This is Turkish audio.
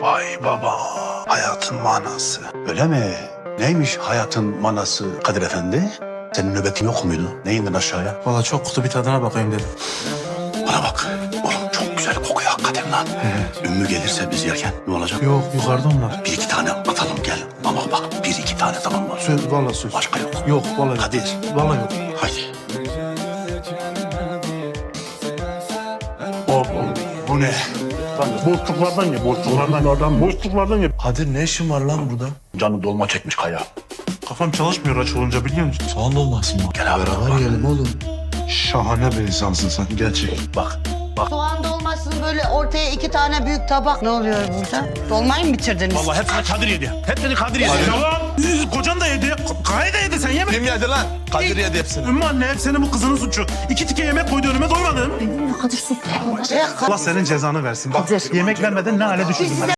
Vay baba, hayatın manası. Öyle mi? Neymiş hayatın manası Kadir Efendi? Senin nöbetin yok muydu? Ne indin aşağıya? Valla çok kutu bir tadına bakayım dedim. Bana bak, oğlum çok güzel kokuyor hakikaten lan. Ümmü gelirse biz yerken ne olacak? Yok yukarıda onlar. Bir iki tane atalım gel. Ama bak bir iki tane tamam mı? Söz valla söz. Başka yok. Yok valla yok. Kadir. Valla yok. Haydi. Hop, bu ne? Boşluklardan ye, boşluklardan ye. Kadir ne işin var lan burada? Canı dolma çekmiş kaya. Kafam çalışmıyor aç olunca biliyor musun? Soğan olmasın mı? Gel abi. Beraber yiyelim oğlum. Şahane bir insansın sen, gerçek. Bak. Soğan dolmasını böyle ortaya 2 tane büyük tabak. Ne oluyor burada? Dolmayı mı bitirdiniz? Vallahi hepsini Kadir yedi. Hepsini Kadir yedi. Yalan. Kocan da yedi. Kaya da yedi, sen yemedin. Kim yedi lan? Kadir yedi hepsini. Ümmü anne hep senin bu kızının suçu. 2 tike yemek koydu önüme, doymadım. Kadir sen. Allah senin cezanı versin. Bak yemek vermeden ne hale düşürdün.